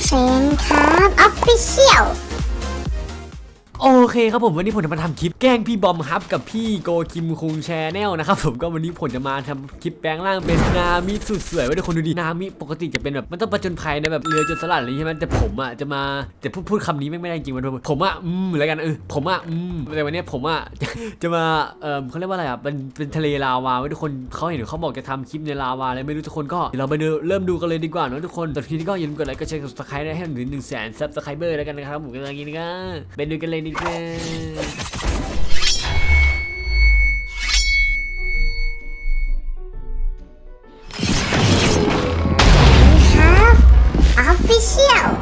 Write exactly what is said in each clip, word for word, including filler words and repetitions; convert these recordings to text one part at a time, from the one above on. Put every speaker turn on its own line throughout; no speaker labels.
เซนครับออฟฟิเชียล
โอเคครับผมวันนี้ผมจะมาทำคลิปแกล้งพี่บอมฮับกับพี่โกคิมคุงแชร์แนลนะครับผมก็วันนี้ผมจะมาทำคลิปแปลงร่างเป็นนามิสุดสวยไว้ทุกคนดูดินามิปกติจะเป็นแบบมันต้องประจนภัยในแบบเรือจนสลัดอะไรใช่ไหมแต่ผมอ่ะจะมาแต่พูดพูดคำนี้ไม่ไม่ได้จริงมันผมอ่ะอืมอะไรกันเออผมอ่ะอืมแต่วันนี้ผมอ่ะจะมาเออเขาเรียกว่าอะไรอ่ะเป็นเป็นทะเลลาวาไว้ทุกคนเขาเห็นเขาบอกจะทำคลิปในลาวาอะไรไม่รู้ทุกคนก็เดี๋ยวเราไปดูเริ่มดูกันเลยดีกว่าเนาะทุกคนแต่ทีนี้ก็อย่าลืมกดไลค์กดแชร์กดซับสไครต์ให้ถึงหนึ่งแสนซับสไครเบอร์แล้วกันนะครับผมก็อย่างนี้ก็ไปดูกันเลยดีกว่า
ครับออฟฟิเชียล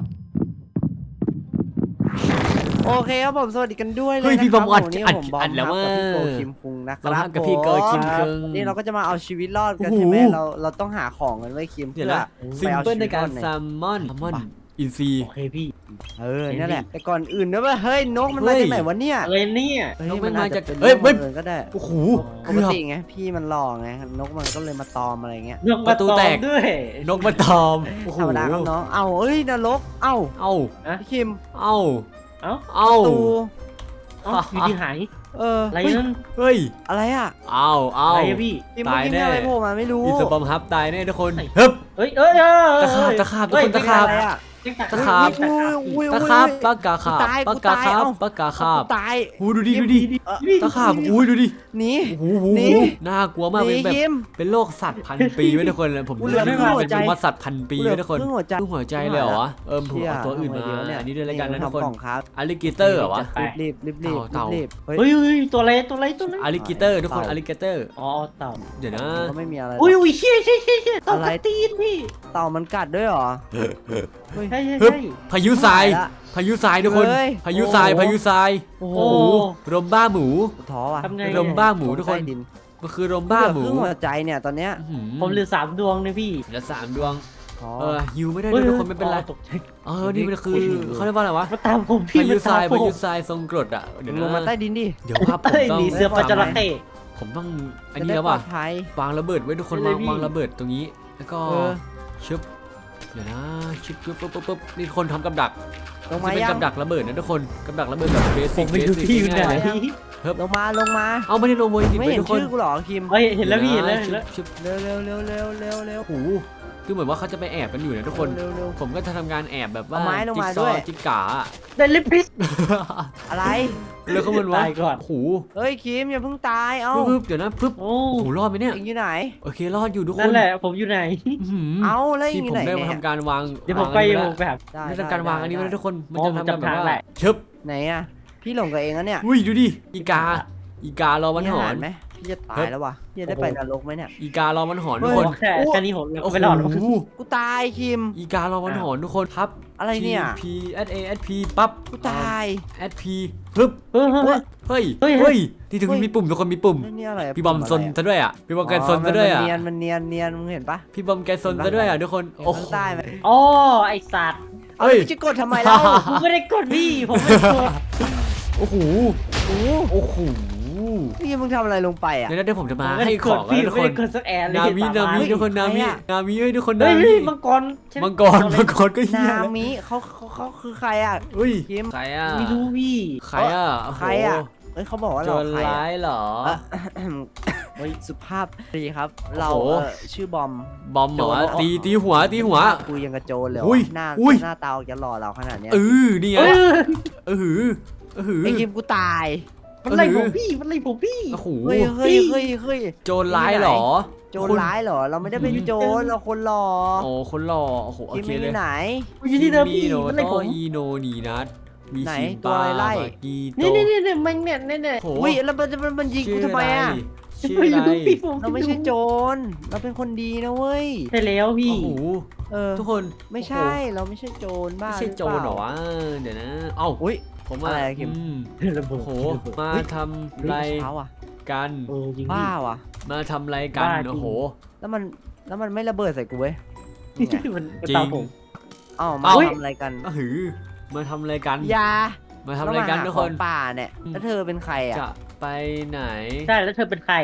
โอเคครับผมสวัสดีกันด้วยเลย
เฮ้ย
นะ
พี่
ครับ
บอมอัด
วันนี้
อัด
ผมบอม
อัดแล้วว่า
กับพี่โกคิมคุงนะค
เรา
รับ
ทำกับพี่โกคิมคุง
นี่เราก็จะมาเอาชีวิตรอดกัน
โอ้โห
ใช่ไหมเราเราต้องหาของกันไว้คิม
เดี๋
เพื่
ยว
อ
นะ
ไป
ซิม
เอา
เปิล
ชี
ใน
วิตร
กา
อ
ร
ดใน
แซลมอนแซลมอนอินซี
โอเคพี่
เออนั่นแหละแต่ก่อนอื่นนะว่าเฮ้ยนกมัน
เฮ้
มาย จากไหนวะเนี่ย
อะไรเนี่ย
เฮ้ย
นกมัน
อาจ
มาจาก
จะเป็น
เฮ้ย
เรื่อง
เฮ้ย
บังเอิญก็ได้
โอ้โห
ป
เกื
ก
อบ
ติไงพี่มันหล่อไงนกมันก็เลยมาตอมอะไรเงี้ย
นก
ประตูแตก
ด้วย
นกมาตอมโอ้โห
ธรรมดาครับน้องเอ้าเอ้ยนรกเอ้า
เอ้า
พี่คิม
เอ้า
เอ้า
เอ้า
ตู
เอ้าอยู่ที่หาย
เออ
อะไร
เฮ้ย
นั่น
เฮ้ย
อะไรอ่ะ
เอ้าเอ้า
อะไรอะพี่
คิมเมื่อกี้มีอะไรโผล่มาไม่รู้
อีสบอมฮับตายแน่ทุกคน
ไหน
เฮ้ย
เฮ้ยเอ้ยเอ้ย
ตะขาบตะขาบทุกคนตะขาบ
อะไรอ่ะ
ตะขาบ
อุ้ย
ตะขาบปากกาขาบ
ตาย
ปาก
กู
กา
ตาย
ขาบ
เอ้า
ปากกาขาบ
ตาย
หูดูดิดูดิ
เออ
ตะขาบอุ้ยดูดิ
หนี
โอ้โห
นี่
น่ากลัวมาก
ห
เป็
นี
นแบบ
คิม
เป็นโรคสัตว์พันปีไว้ทุกคนเลยผม
กูเหลือ
เรียก
ครึ่ง
ว่า
หัว
เป็น
ใจ
ว่าสัตว์พันปีไว้ทุกคน
ครึ่งหัวใจ
ครึ่งหัวใจเลยเหรอวะเออผมเอาตัวอื่นมา
เชี่ย
อันนี้ด้วยแล้วกันนะทุกคน
ทำของครับ
อลิเกเตอร์เหรอวะ
รีบรีบรีบ
เต่า
รีบเฮ้ย
เฮ้ยเฮ้ยตัวอะไรตัวอะไรตัวอะไร
อลิเกเตอร์ทุกคน
เต่า
อลิเกเตอร์
อ๋อเต่า
เดี๋ยวนะ
ก็ไม่มีอะไรหรอก
อุ้ยอุ้ยเชี่ยเชี่ยเชี่ยเชี่ยเต่า
อะไร
กระตีนพี่
เต่ามันกัดด้วยเหรอเฮ้ย
ใช่ใช่
ฮึบ
ใช่
พายุทราย
ตายละ
พายุทรายทุกคน
เฮ้ย
พายุทราย
โอ้โห
พายุทราย
โอ้โห
โอ้โหลมบ้าหมู
ท้อว่ะ
ทำไง
ลมบ้าหมูทุกคน
ใต้ดิน
มันคือลมบ้าหมู
เหลือครึ่งหัวใจเนี่ยตอนเนี้ย
อื้อหือ
ผมเหลือสามดวงเลยพี่
เหลือสามดวง
ท้อ
เออฮิวไม่ได้ด้วยทุกคนไม่เป็นไร
ตกใจ
เออนี่มันคือเขาเรียกว่าอะไรวะ
มาตามผมพี่
พายุทราย
มตม
พายุ
ผม
ทรายทรงกรดอ่ะเดี๋ยว
ลงมา
นะ
ใต้ดินดิ
เดี๋ยวว่าผม
เอ้ย
ต้อง
หนีเสือปลาจระเข้
ผมต้องอัน
จะ
นี้
ได้
แล้ว
ปลอ
ว่ะ
ดภัยว
างระเบิดไว้ทุกคน
ได้
วาง
เลยพี่
วางระเบิดตรงนี้แล้วก็
เออ
ชึบเดี๋ยวนะชึบชึบปุ๊บปุ๊บปุ๊บนี่คนทำกับดัก
ลงมา
จะเป็น
ยัง
กับดักระเบิดนะทุกคนกับดักระเบิดแบบเบ
ผ
สิ
ม
ก
ไม่รู้ที่อยู่ไหน
ง่ายๆ
ลงมาลงมา
เอาไม่ได้ลงโวยจริง
ไม่
ๆ
เห็น
ทุกคน
ชื่อกูเหรอคิม
เฮ้ยเห็นแล้วพี่เห็นแล้ว
ดี๋
เห็
ย
น
นะ
แล้ว
ชึบ
เร็วเร็วเร็วเร็วเร็วเร็ว
โอ้โหคือเหมือนว่าเขาจะไปแอบกันอยู่นะทุกคน
เร็วเร็ว
ผมก็จะทำการแอบแบบว่า
เอาไม้ลงมา
จิ๊กซอ
ด้วย
ว์จิ๊กกาอะ
ได้ลิปพิส
อะไร
แล้วเขามันวะ
ตายก่อน
โอ้โห
เฮ้ยคิมอย่าเพิ่งตายเอ้า
ปึ๊บเดี๋ยวนะปึ๊บ
โอ้
โอ้โหรอดไหมเนี่ย
เอ็งอยู่ไหน
โอเครอดอยู่ทุกค
นั่
น
นแหละผมอยู่ไหน
อื้อหือ
เอ้าแล้วเอ็
ที่
งอ
ผ
ยู่
ม
ไหน
ได้มา
เนี่ย
ทำการวาง
เดี๋ยวผมไป
วาง
เดี๋ยว
อั
ผ
น
มไปหา
ได้
นี้แล้วได้ทำการวางอันนี้ไว้
ได้
นะทุกคนมัน
อ๋อ
จะทำ
ผม
แบบ
จำทาง
ว่า
แหละ
ชึบ
ไหนอะพี่หลงกับเองอะเนี่ย
อุ้ยดูดิอีกาอีการอมัน
มี
ห
อา
อ
หาน รไหมพี่จะตายแล้วว่ะพี่จะได้ไปนรกไหมเนี่ย
อีการอมันหอนทุก
เฮ้
ค
ย
น
แค่แค่นี้ผม
โอ้โห
ไม่รอดหรอก
กูตายคิม
อีการอมันหอนทุกคนครับ
อะไรเนี่ย
P S A S P ปั๊บ
กูตาย
S P ปึ๊บ
เฮ้ยเฮ้ย
เฮ้ย
เฮ้ย
เฮ้ยที่ถึง
เฮ้ย
มีปุ่มทุกคนมีปุ่ม
แล้วนี่อะไระ
พี่บอมซน
ปุ่ะไร
ซะด้วยอ่ะพี่บอมแก
อะ
ซนซะด้วยอ่ะ
มันเนียนมันเนียนเนียนมึงเห็นปะ
พี่บอมแกซนซะด้วยอ่ะทุกคน
เห็น
โอ้โห
ข้างใต้ไหม
อ๋อไอสัตว์
เอา
เฮ้ย
แล้วจะกดทำไมเล่า
ผมไม่ได้กดพี่ผมไม่ได้กด
โอ้โห
โอ้
โอ้โห
พี่มึงทำอะไรลงไปอ่ะ
เดี๋ยวนะเดี๋ยวผมจะมา
ผมไม่
ให้
ได้
ข
ก
อ
ด
ง
พี่
แล้วทุก
ไม่
คน
ได้กดสักแอร์เลย
นามิ
เห็
นามิ
ปะ
ทุกคนนามิ
ใครอะ
นามิเฮ้ยทุกคน
เฮ้
นาย มิ
เฮ้ยมังกรใช่ไห
มังกรมังกรก็เฮีย
นามิเขาเขาเขาคือใครอ่ะ
เฮ้ย
คิม
ใครอ่ะ
ไม่รู้พี่
ใครอ่ะโโห
ใครอ่ะเอ้ยเขาบอกว่า
โจ
เรา
ร
ใคร
ร้า
อะ
ยเหรอ
เอ่อเฮ้ยสุภาพดีครับ เรา
โอ้โห
เอ่อชื่อบอม
บอมเหรอ
โจร
ตีตีหัวตีหัว
กูยังกระโจนเลยเหร
อุ้ย
หน้า
อุ้ย
หน้าตาออกจะหล่อเราขนาดเนี้ย
เออนี่ไง
เอ้ย
เออหือเออหือ
ไอ้คิมกูตาย
มันไล่ผมพี่มันไล่ผมพี่
โอ้โห
เฮ้ยเฮ้ยเฮ้ยเฮ้ย
โจรร้ายเหรอ
โจรร้ายเหรอ เราไม่ได้เป็นโจรเราคนหล่อ
โอ้คนหล่อโอ้โหโอ
คิม
เค
ไม่
เล
อยู่
ย
ไหน
อยู่ที่เดิมพี่
โน
มัน
โต
ไล่ผม
อีโนนีนัทมี
ไหน
ชิม
ตัว
ปา
อะไรไล่
บากีโต
นี่นี่นี่นี่มันเนี่ยเนี่ยเนี่ย
โอ้โห
อุ้ยแล้วมันมันมันยิงกูทำไมอ่ะ
ชื่ออะไร
ไม่รู้พี่ผม
เราไม่ใช่โจรเราเป็นคนดีนะเว้ย
ใช่แล้วพี่
โอ้โห
เออ
ทุกคน
ไม่ใช่เราไม่ใช่โจรบ้า
ไม่ใช่โจรเหรอวะเดี๋ยวนะเอ้า
อุ้ย
ผม
อะไรอะคิม
อืม
ระเบิ
โอ้
ด
โห
ระเบิด
มา
เฮ้ย
ทำไร
เช้าอ่ะ
กัน
เออจริง
บ้า
พี่
ว่ะ
มาทำไรกัน
บ้าจริง
โอ้โห
แล้วมันแล้วมันไม่ระเบิดใส่กูเว้ยนี่ไง
มัน
จริง
ตามผม
เอ้ามา
เอ้า
ทำอะไรกัน
ก็หือมาทำอะไรกัน
อยา
มาทำอะไรกันทุกคน
แล้วมาหาของป่าเนี่ย
อืม
แล้วเธอเป็นใครอ่ะ
จะไปไหน
ใช่แล้วเธอเป็นใครอ่ะ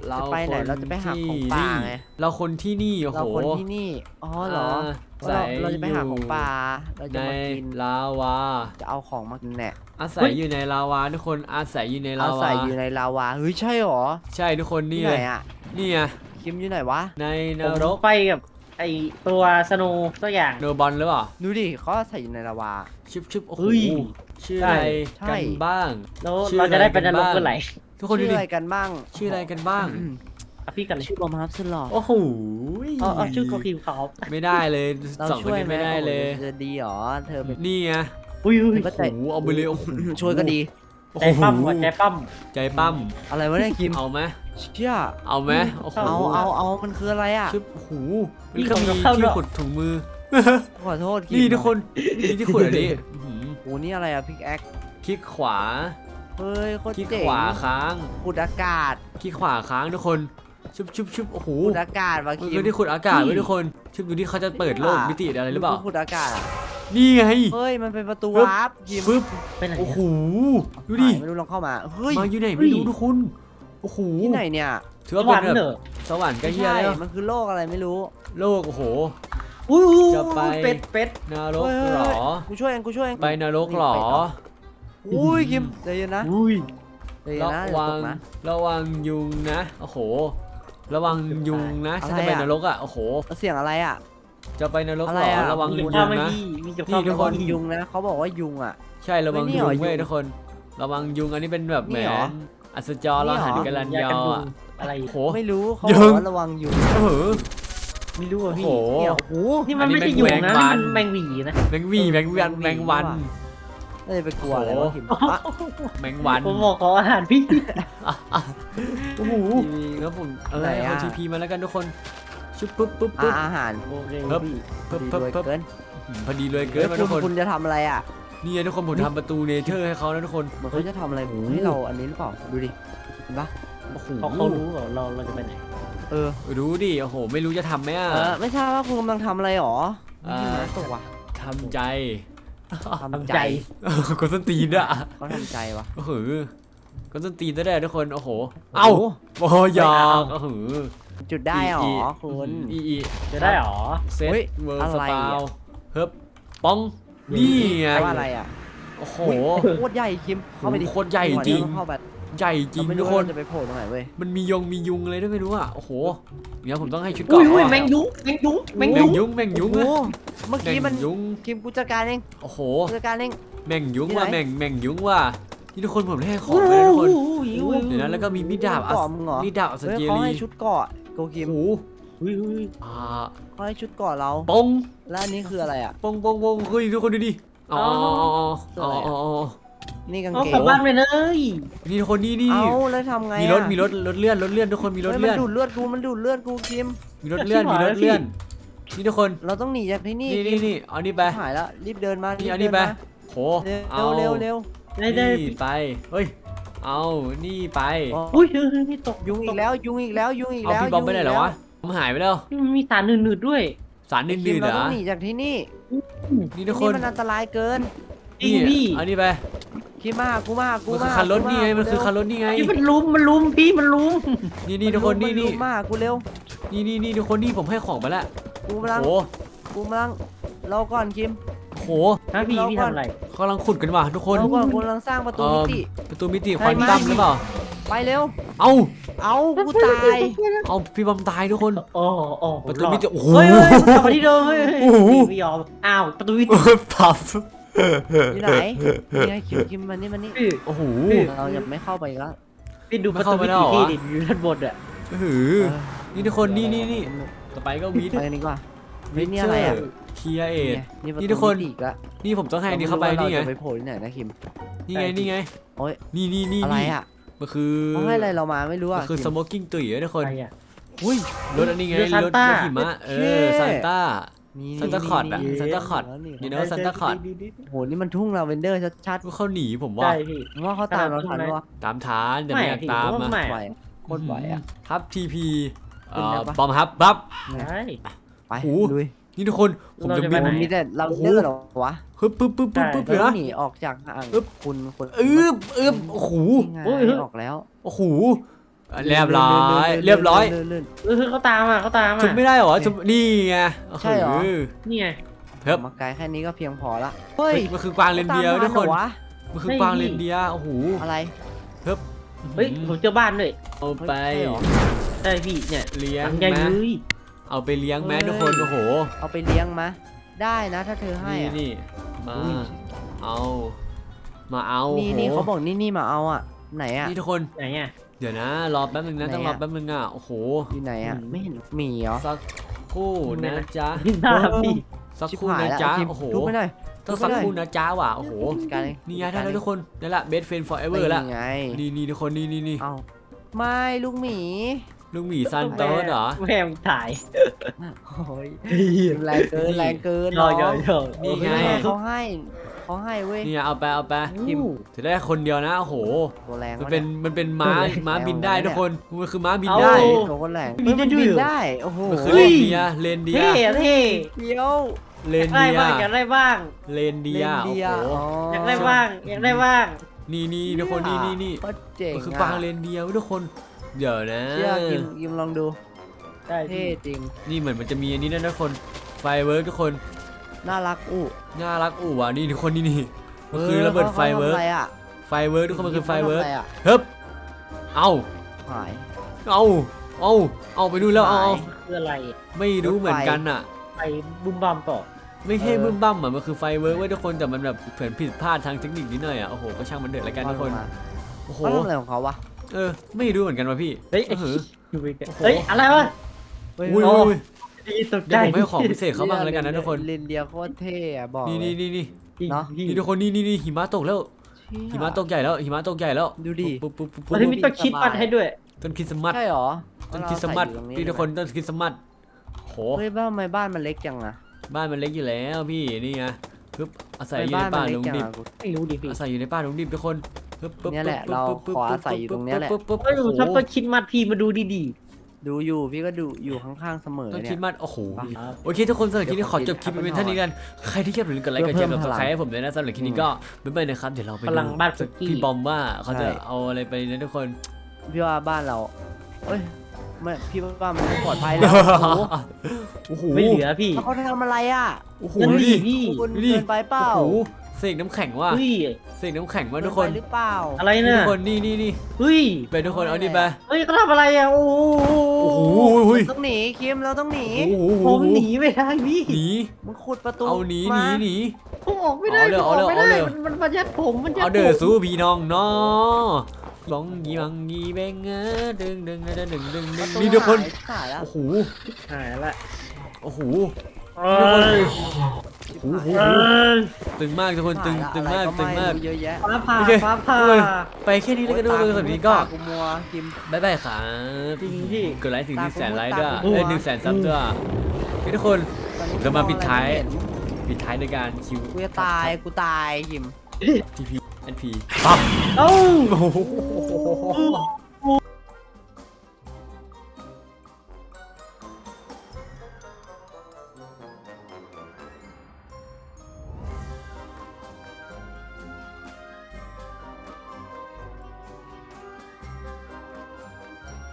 เรา
จะไปไหนเราจะไปหาของป่าไง
เราคนที่นี่โอ้
เรา
โห
คนที่นี่อ๋อเหรอ
ใส่
เราเราจะไปหาของป่าเรา
ใน
จะมากิน
ลาวา
จะเอาของมากินแหละ
อาศัยอยู่ในลาวาทุกคนอาศัยอยู่ในลา
เอา
วา
ใส่อยู่ในลาวาเฮ้ยใช่เหรอ
ใช่ทุกคนนี่
ที่
เล
ไหน
ย
อ่ะ
นี่ไง
คิมอยู่ไหนวะ
ในน
ผม
รก
ไปกับไอตัวสโนว์สักอย่าง
เนอร์บอลหรือเปล่า
ดูดิเขาใส่อยู่ในลาวา
ชิบชิบโอ้โห
เฮ้ย
ชื่ออะไร
ใช่
กันบ้าง
แล้ว
ชื่อ
เราจะได้ไปนรก
อะไรกันบ้าง
เมื่อไหร่
ทุกคนดู
ชื่อ
ดิ
อะไรกันบ้าง
ชื่ออะไรกันบ้าง
อืม
อ่ะพี่กันเลย
ชื่อบอมฮับสลอด
โอ้โห
เอาเอาชื่อโคคิวเขา
ไม่ได้เลย
เรา
สองคน
ช่วย
นี้
ไหม
ไม่ได้เลย
โอ้โหจะดีเหรอเธอเป็น
นี่ไง
อุ้ยอุ้ย
ก็
โอ้
ใจ
โหเอาไปเลยโอ้โห
ช่วยก็ดี
โอ้
ใจ
โห
ปั้มว่ะใจปั้ม
ใจปั้ม
อะไรวะเนี่ยคิม
เอาไหม
เชี่ย
เอาไหมโอ้โห
เอาเอาเอามันคืออะไรอ่ะ
ชิบโอ้โหมันก็มีที่ขุดถุงมือ
ขอโทษคิม
นี่ทุกคนนี่ที่ขุดอันนี้อื้อหือ
โอ้นี่อะไรอ่ะพิกแอค
คลิกขวา
เฮ้ยโคตร
คลิก
เจ๋ง
ขวาค้าง
ขุดอากาศ
คลิกขวาค้างทุกคนชุบชุบชุบโอ้โห
ขุดอากาศวะ
มัน
คิ
คื
ม
อที่ขุดอากาศไว้ทุกคนชุบดูที่เขาจะเปิดโลกมิติอะไรหรือเปล่า
ขุดอากาศอะ
นี่ไง
เฮ้ยมันเป็นประตู
ปึ๊บ
วาร์ปคิม
ฟึบ
ไปไหน
โอ้โห
อะ
ดูดิ
หายไม่รู้ลองเข้ามาเฮ้ย
มาอยู่ไหนไม่รู้ทุกคนโอ้โห
ที่ไหนเนี่ย
ถือ
ส
ว่า
วร
เป็
ร
น
ค์
แบ
เหร
บ
อ
สวรรค์ใกล้
ไม่
เฮีย
ใช่
แล้ว
มันคือโลกอะไรไม่รู้
โลกโอ้โห
อุ้ย
จะไป
เป็ดเป็ด
นรก
เฮ้ย
เหรอ
กูช่วยเองกูช่วยเอง
ไปนรกเหรอ
อุ้ยคิมใจเย็นนะ
อุ้ย
ใจเย็น
ระ
นะอย่า
วั
ต
ง
กนะ
ระวังยุงนะโอ้โห ระวังยุงนะ
อะไร
ฉันจะไป
อะ
นรกอ่ะโอ้โห
เสียงอะไรอ่ะ
จะไปนรก
อะไร
เหรอ
อะ
ระวัง
มี
ยุ
กับ
ง
ข้าวไหม่
นะ
พี่มีกับ
นี่
ข้าว
ทุกคน
ไหม
ยุงนะเขาบอกว่ายุงอ่ะ
ใช่ระวัง
เฮ้ยนี่
ยุ
เหรง อ
เว้ย
ยุง
ทุกคน ระวังยุงอันนี้เป็นแบบแหม
นี่เหรอ
อัศจร
นี่
เรา
เหรอ
หันกันลัน
ยาย
า
กัน
ว
ยุง
อ่ะ
อะไร
โอ้โห
ไม่รู้เขา
ยุ
บอก
ง
ว่าระวังยุง
เออ
ไม่รู้อ่ะ
โอ้
พี่
โห
เนี่ยโอ้โห
นี่มัน
อันนี้
ไม่ใช่ยุง
แมง
นะ
วั
นี่
น
มันแมงหวีนะ
แมงวีแมงวันแมงวัน
น่าจะไปกลัวอะไรวะคิมอ่ะ
แมงวัน
ผมบอกขออาหารพี่
โอ้โหแล้วผมเออ
ไหนอะ
เอาทีพีมาแล้วกันทุกคนชุบปุ๊บปุ๊บ
อ่ะ
ปุ๊บ
อาหาร
โอเค
เพิ่ม
พี่
เพิ่ม
ดี
เพิ่ม
ด้วย
เพิ่ม
เกิน
พอดีเลยเกินมา
คุ
ทุ
ณ
กคน
คุณจะทำอะไรอ่ะ
นี่ไงทุกคนผมทำประตูเนเธอร์ให้เขาแล้วทุกคน
เหมือนเขาจะทำอะไร
โอ้โห
ให้เราอันนี้หรือเปล่าดูดิเห็นปะ
โอ้โห
เขาเขารู้เหรอเราเราจะไปไหน
เออ
รู้ดิโอ้โห ไม่รู้จะทำไหมอ่ะ
เออไม่ทราบว่าคุณกำลังทำอะไรหรอ
อ่า
นี่มาตกว่ะ
ทำใจ
ทำ
ทำ
ใจ
ใจ
คนส้นตีนอ่ะ
เขาทำใจวะ
โอ้โหคนส้นตีนได้ทุกคนโอ้โหเอ้าโอ้โหหยอกโอ้โห
จุดได้หร
อี
อคุณ
อีอี
จะได้หรอ
เซต
เฮ้ย
เวิร์
อะ
ส
ไร
ปา
อะ
วเฮิบป้องนี่ไง
แปลว่าอะไรอ่ะ
โอ้โห
โคตรใหญ่คิมเข้าไปดิ
โคตรใหญ่จริง
เข้าไป
ใหญ่จริง
เราไม่
ทุ
รู้
กค
ว่าน เราจะไปโผล่ตรงไหนเว้ย
มันมียงมียุงอะไรด้วยไม่รู้อ่ะโอ้โหเดี๋ยวผมต้องให้ชุด
อุ้
เกาะ
ยอุ้ย
อ่ะ
แมงยุงแมงยุงแมง
แม
ยุ
ง
ง
ยุงแมงยุง
โอ้
อะ
โหเมื่อกี้มัน
แงยุง
คิมกูจัดการเอง
โอ้โห
กูจัดการเอง
แมงยุง
ที่
ว่ะ
ไหน
แมงแมงยุงว่ะนี่ทุกคนผมได้ให้ของ
อุ้ย
เลยทุกคน
อุ้ยอุ้ย
เดี๋ยวนะแล้วก็มีมีดดาบอั
เกาะ
ส
มึงเหรอ
มีดดาบอัส
เฮ้ย
เจ
เขา
รี
ให้ชุดเกาะโกคิ
โอ้
ม
โห
อุ้ยอุ้ย
อ่า
เขาให้ชุดเกาะเรา
ปง
แล้วอันนี้คืออะไรอ่ะ
ปงปงปงเฮ้ยทุกคนดูดิอ๋ออ๋ออ๋ออ๋ออ๋ออ๋อ
นี่กาง
เอา
เก
กลับ
ง
บ้านไปเลย
นี่ทุกคนนี่นี่
เอาแล้วทำไง
มี
อะ
รถมีรถรถเลื่อนรถเลื่อนทุกคนมีรถ
เฮ้ยมั
เลื่
น
อน
ดูดเลือดกูมันดูดเลือดกูคิม
มีรถเลื่อนมีรถเลื่อนนี่ทุกคน
เราต้องหนีจากที่นี่
นี่นี่นี่เอานี่ไป
หายแล้วรีบเดินมา
นี่
รีบ
เอา
เดิ
นี่ไป
มา
โห
เร็
เอา
วเร็วเร็ว
ได้ได้
นี่ไปเฮ้ยเอานี่ไป
โอ้
อุ้ยเฮ้ยเฮ้ยนี่ตก
ยุงอีกแล้วยุงอีกแล้วยุงอีก
เอา
แล้ว
พี่บอมไปไหนแล้ววะผมหายไปแล้ว
นี่มันมีสารหนืดๆด้วย
สาร
คิ
นื่
ม
นๆเห
เรา
รอ
ต้องหนีจากที่นี่
นี่ทุกค
นี่
น
มันอันตรายเกิน
จริงพี่
เอานี่ไป
คิมมาหากูมาหากู
มันคือ
มา
คันรถ
กู
นี่ไง
า
มันคือคัน
เร็ว
รถนี่ไง
พี่มันลุมมันลุมพี่มันลุม
นี่นี่ทุกคนนี่
มั
นี่
ลุมมาหากูเร็ว
นี่นี่นี่ทุกคนนี่ผมให้ของไปแล้ว
กูกำลัง
โอ้
กูกำลังรอก่อนคิม
โห
ฮะพี่พี่ทำอะไร
กำลังขุดกันว่ะทุกคน
รอก่อนกูกำลังสร้างประตูมิติ
ประตูมิติ
ใช่
ควอน
ไหม
ตัมหรือเปล่า
ไปเร็ว
เอ้า
เอากูตาย
เอาพี่บอมตายทุกคน
โอ้โอ้
ประตูมิติโอ้โห
เฮ้ยเฮ้ยกลับมาที่เดิมเฮ้ย
โอ้โห
ไม่ยอมอ้าวประตูมิติ
ปับ
อยู่ไหนนี่ไงคิมคิมมันนี่มันนี่
พี่
โอ้โห
เราจะไม่เข้าไปอีกแล้ว
พี่ดูประตู
ไม่
มิ
เข้า
ติ
ไปแล้วเหรอ
ที่ดิอยู่ด้านบนอ่ะ
หือนี่ทุกคนนี่นี่นี่ต่อไปก็วีด
ไปกันดีกว่าเฮ้ยนี่อะไรอ่ะ
เคียเอท
นี่ประ
นี่
ตู
ทุกคน
มิติอีกแล้ว
นี่ผมต้องให้อันนี้เข้าไป
เรา
นี่ไง
จะไปโผล่ที่ไหนนะคิม
นี่ไงนี่ไง
โอ๊ย
นี่นี่นี่
อะไรอ่ะ
มันคือ
เขาให้อะไรเรามาไม่รู้
มั
อ่ะ
นคือ
คิ
ส
ม
โมกกิ้งตุ๋ยอะทุกคน
อะไรอ่ะ
อุ้ย
รถอันนี้ไง
เรือ
รถ
Santa
รถหิมะเออซานต้า
นี่
Santa Claus อะ
นี่
Santa Claus
นี่
นี่นะ Santa Claus
โหนี่มันทุ่งลาเวนเดอร์ชัด
ก็เขาหนีผมว่า
ใช่พี่
ๆผมว่าเขาตามเราทันวะ
ตามฐานแต่ไม่อยากตาม
ไม่
อะ
ไม่
ไหวโคตรไหวอ่ะ
ทับทีพีเอ่
ขึ้นได้
อ
ปะ
ปอมครับปั๊บ
ใช่
ไป
โอ้โห
ลุย
นี่ทุกคนผมจะ
เราจะ
บิ
ไป
น
ไหน
มีแต่ลาเวนเดอร์เหรอวะ
ฮึบปึ๊บปึ๊บปึ๊บปึ๊บ
เรา
เลย
ต้อ
นะ
งหนีออกจากห่าง
อึ๊บ
คุณคน
อึบอึบโอ้โห
นี่ไงออกแล้ว
โอ้โหเรียบร้อยเรียบร้อย
ลื่น
เออเขาตามอ่ะเขาตาม
ชุบ
อ่ะ
ไม่ได้เหรอชุบนี่ไง
ใช่เหรอ
นี่ไง
เฮ้ย
ๆมาไกลแค่นี้ก็เพียงพอละ
เฮ้ยมันคือกวางเรนเดียร์ทุกคน
ตามทัเหรอวะ
มันคือกวางเรนเดียร์โอ้โห
อะไร
เฮ้ย
เฮ้ยผมเจอบ้านด้วย
เอาไป
เฮ้ยใช่เหรอ
ใช่พี่เนี่ย
เลี้ย
ห
ง
ลังใหญ่
ไหม
เลย
เอาไปเลี้ยงไหม
เฮ้ย
ทุกคนโอ้โห
เอาไปเลี้ยงมะได้นะถ้าเธอให้
นี่
อะ
นี่มา
อุ้ย
เอามาเอา
นี่
โอ้โห
นี่เขาบอกนี่นี่มาเอาอ่ะไหนอ่ะ
นี่ทุกคน
ไหนอ่ะ
เดี๋ยวนะรอแป๊บนึงนะ
ไหน
ต้องรอ
อะ
แป๊บนึงอ่ะโอ้โห
อยู่ไหนอ่ะ
อืม
ไม่เห็นหมีเหรอ
สักครู่นะจ๊ะ
พี่หน้าพี่
สัก
ชิบ
ครู่
หาย
นะ
แล้ว
จ๊ะ
พิมพ์
โอ้โห
ทุบไปหน่อย
ต้องสักครู่นะจ๊ะว่ะโอ้โห
จัดการเลย
นี่ไงได้แล้วทุกคนนี่แหละ best friend forever ละ
นี่ไง
นี่นี่ทุกคนนี่นี่นี่
เอาไม่ลูกหมี
ลูกหมีซันโต้เหรอ
แม่งถ่าย
โอ้ยแรงเกินแรงเกิน
รอรอรอ
นี่ไง
เฮ้ยเขาให้เขาให้เว้ย
นี่เอาไปเอาไป
พิมพ์
จะได้คนเดียวนะโอ้โห
ตัวแรง
มัน
วะ
เป็นมันเป็นม้า
เออ
ม้าบินได้
แรง
ทุกคนมันคือม้าบิน
เอา
ได้
ตัวก็แรง
มีได้ด้วยเหรอ
บินได้โอ้โห
มันคือเลนเดียร์เลนเดีย
เท่
ร์
เท่
เดียว
เลน
ได้
เดีย
บ้าง
ร์
อยากได้บ้าง
เลนเดี
เดี
ย
ย
ร์โอ้โห
อยากได้บ้างอยากได้บ้าง
นี่นี่ทุกคนนี่นี่นี่
ก็เจ๋ง
มันคือ
อะ
กวางเลนเดียร์เว้ยทุกคนเดี๋ยวนะ
เชื่อยิมยิมลองดู
ได้
เท่จริง
นี่เหมือนมันจะมีอันนี้นะทุกคนไฟเวิร์กทุกคน
น่ารักอู้
น่ารักอู่ว่ะนี่ทุกคนนี่นี่มันคือระเบิดไฟเวิร์ก
ขาทำอะไรอะ
ไฟเวิร์กทุกคนมันคือไฟเวิร์ก
ขาทำะไอะ
เฮ้ยเอา
หาย
เอาเอาเอาไปดูแล้วเอาเอา
คืออะไร
ไม่รู้เหมือนกันอ่ะ
ไปบุ้มบัมต่อ
ไม่ใช่
เออ
บึ้มบั้มอ่ะมันคือไฟเวิร์กเว้ยทุกคนแต่มันแบบเผื่อผิดพลาดทางเทคนิคนิดหน่อยอ่ะโอ้โหก็ช่างมันเดือดละกันทุกคนโอ้โห
เขาทำอะไรของเขาวะ
เออไม่รู้เหมือนกันว่ะพี่
เฮ้ย
เออ
อยู่ไปกัน
โอ้โห
เฮ้ยอะไรวะ
เฮ้ย
อุ้ย
โอ้
อุ้ย
ดีตกใจ
เดี๋ยวผมให้ของพิเศษเขาบ้างแล้วกันนะทุกคน
เลนเดียโคตรเท่อะบอก
นี่
เลย
นี่นี่นี่
จริง
เนอะ
พี่
นี่ทุกคนนี่นี่นี่หิมะตกแล้ว
เชี่ย
หิมะตกใหญ่แล้วหิมะตกใหญ่แล้ว
ดูดิ
ปุ๊บปุ๊บปุ๊บ
แล้ว
ปุ๊บ
ที่มีต้นคิดปัดให้ด้วย
ต้นคริสต์มาส
ใช่เหรอ
ต้นคริสต์มาส
เราใส่อยู่ตรง
พี่ทุกคนต้นคริสต์มาสโห
เฮ้ยบ้านทำไมบ้านมันเล็กจังอะ
บ้านมันเล็กอยู่แล้วพี่นี่ไงปึ๊บอาศัย
ทำ
อ
ไม
ยู่ใน
บ้านมั
ป่าน
เล็
ลุ
ก
ง
จัง
ดิบ
อะกู
ไม่รู้ดิพี่
อาศัยอยู่ในป่าลุงดิบทุกคนปึ๊บปึ๊บ
เนี่ยแหละ
ปึ๊บ
เรา
ปึ๊บปึ๊บ
ขออาศัยอยู่ตรงเนี้ยแหละ
ปึ๊บปึ๊บ
เฮ้ย
ปึ๊บ
ชอบ
โอ้โห
ต้นคิดมัดพี่มาดูดี
ดูอยู่พี่ก็ดูอยู่ข้างๆเสมอ
ต้นค
เนี่
ริ
ย
สต์มาสโอ้โห
ๆ
โอเคทุกคนสำหรับคลิปนี้ขอจบคลิปไปเป็นเท่านี้กันใครที่ชอบอย่าลืมกดไลค์กดแชร์กด
เพื่อเพิ่ม
ซับสไครต์
พลัง
ให้ผมด้วยนะสำหรับคลิปนี้ก็บ๊ายบายนะครับเดี๋ยวเราไป
พ
ดู
ลังบ้านสุกี้
พี่บอมว่าเขาจะ
ใช่
เอาอะไรไปนะทุกคน
พี่ว่าบ้านเราเอ้ยไม่พี่ว่าบ้านมันไม่ปลอดภัยแล้วโอ้โห
โอ้โห
ไม่เหลือพี่
แล้วเขาทำอะไรอะ
โอ้โห
นั่น
ดู
ดิ
ดิ
พี่
คุณ
ดูดิ
เกินไปเปล่า
โอ้โหเสกน้ำแข็งว่ะ
เฮ้ย
เสกน้ำแข็งว่ะ
เกิ
ทุ
น
ก
ไป
คน
หรือเปล่า
อะไร
นี่
น่ะ
ทุกคนนี่นี่นี่
เฮ้ย
ไปทุกคนเอาดิไป
เฮ้ยเขาทำอะไรอ่ะโอ้โห
โอ้โหโอ้ย
เราต้องหนีคิมเราต้องหนี
โอ้โห
ผมหนีไม่ได้พี่
หนี
มึงขุดประตู
เอาหนีห
มา
นีหนี
ผมออกไม่ได้
เอาเลย
ผมออกไม่ได้
เอาเลย
มันมันมันยัดผมมันยัด
เอาเด้อ
ผม
สู้พี่น้องเนาะลองยีบังยีแบงเงอดึงดึงดึงดึงดึงดึง
ประตู
นี่ทุกคน
หายหายแล้ว
โอ้โห
หายละ
โอ้โห
เอ้ย
โอ้โห
เอ้ย
ตึงมากทุกคนตึง
หายละ
ตึงมาก
อะไร
ตึงมาก
ไรู้เยอะแยะ
ฟ้าผ่า
โอเค
ฟ้าผ่า
ทุกคนไปแค่นี้แล้วกันด้วยสำหรับนี้ก็
ตากูมัวคิม
บ๊ายบายครับ
จริงพี่
กดไลค์ถึงหนึ่งแสนไลค์
ตา
ด้วย
กู
เอ้ย
มัว
หนึ่งแสนซับด้วยโอเคทุกคน
ตอนนี้
เรามาปิดท้าย
มองอะไรไม่เห็น
ปิดท้ายด้วยการคิว
กูจะตายกูตายคิม
ทีพีแอนพีปั๊บ
เอ้า
โอ้โห